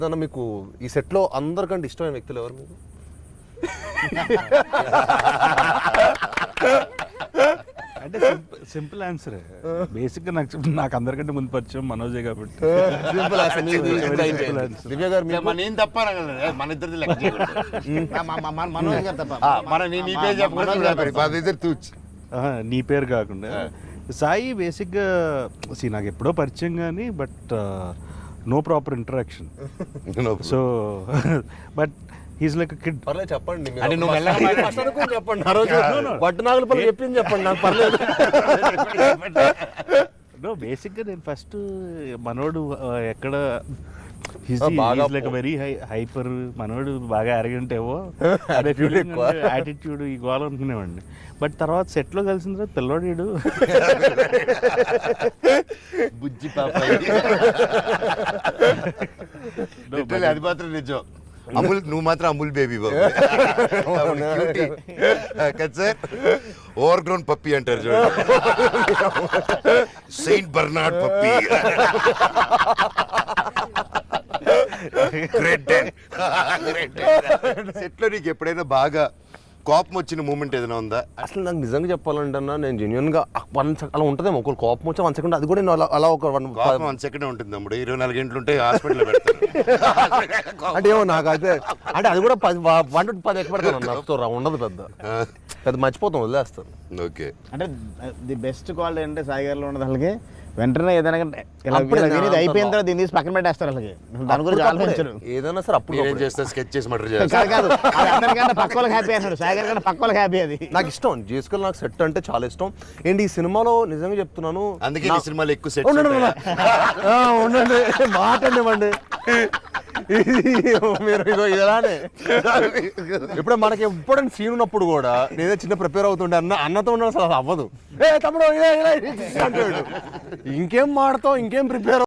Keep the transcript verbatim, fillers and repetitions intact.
అన్న మీకు ఈ సెట్ లో అందరికంటే ఇష్టమైన వ్యక్తులు ఎవరు మీకు? అంటే సింపుల్ ఆన్సర్. బేసిక్ గా నాకు నాకు అందరికంటే ముందు పరిచయం మనోజే కాబట్టి దివ్య గారు మీకు? మన ఏం తప్ప మన ఇద్దరిది లెక్క మనోజ్ గారు తప్ప మన నీ పేరు చెప్పకూడదు. ఆహా, నీ పేరు కాకుండా సాయి బేసిక్గా సి నాకు ఎప్పుడో పరిచయం కానీ but no proper interaction. So but he's like kid. పర్లేదు చెప్పండి మీరు. అంటే నువ్వు మెల్లగా మీరు first అనుకుని చెప్పండి. ఆ రోజు పట్టు నాగుల పల్లి చెప్పింది చెప్పండి, నాకు పర్లేదు. నో బేసిక్గా నేను ఫస్ట్ మనోడు uh, ఎక్కడ బాగా లైక్ వెరీ హై హైపర్ మనోడు బాగా అరగంట ఏవో Attitude ఎక్కువ. యాటిట్యూడ్ ఈ గోల్ అనుకునేవాడిని. బట్ తర్వాత సెట్లో కలిసిన తర్వాత పిల్లోడు బుజ్జి పాప అది మాత్రం నిజం. అమూల్ నువ్వు మాత్రం అమూల్ బేబీ బాబు కదా సార్. ఓవర్ గ్రౌండ్ పప్పి అంటారు చూడండి, సెయింట్ బర్నార్డ్ పప్పి. సెట్ లో నీకు ఎప్పుడైనా బాగా కోపం వచ్చిన మూమెంట్ ఏదైనా ఉందా? అసలు నాకు నిజంగా చెప్పాలంటే అన్న, నేను జెన్యున్ గా వన్ అలా ఉంటుందేమో, ఒకరు కోపం వచ్చి వన్ సెకండ్ అది కూడా నేను అలా అలా ఒక వన్ కోపం వన్ సెకండ్ ఉంటుంది తమ్ముడు, ఇరవై నాలుగు గంటలు ఉంటే హాస్పిటల్లో పెడతారు. అంటే ఏమో నాకు అయితే అంటే అది కూడా పది వన్ టు పది ఎక్కువ పెడతాను నాకు ఉండదు, పెద్ద పెద్ద మర్చిపోతాం, వదిలేస్తాను. ఓకే, అంటే ది బెస్ట్ క్వాలిటీ అంటే సాయి గారిలో ఉండదు. వాళ్ళకి వెంటనే ఏదైనా అప్పుడే అయిపోయిన తర్వాత దీన్ని తీసి పక్కన పెట్టేస్తారు. వాళ్ళకి దాని గురించి ఆలోచించరు. ఏదైనా సరే అప్పుడు ఏం చేస్తా స్కెచ్ చేసి మటర్ కాదు చేస్తా. కాదు అది అందరికన్నా పక్క వాళ్ళకి హ్యాపీ అన్నాడు. సాయి గారి కన్నా పక్క వాళ్ళకి హ్యాపీ. అది నాకు ఇష్టం. జేసుకల్ నాకు సెట్ అంటే చాలా ఇష్టం. ఏంటి ఈ సినిమాలో నిజంగా చెప్తున్నాను, అందుకే ఈ సినిమాలో ఎక్కువ సెట్ ఉండండి ఉండండి మాట అండి. మీరు ఇదో ఇలానే ఇప్పుడు మనకి ఎప్పుడైనా సీన్ ఉన్నప్పుడు కూడా నేనే చిన్న ప్రిపేర్ అవుతుండే, అన్న అన్నతో ఉన్న అసలు అవ్వదు. ఏ తమ్ముడు ఇలా ఇలా అంటాడు, ఇంకేం మాడతావు, ఇంకేం ప్రిపేర్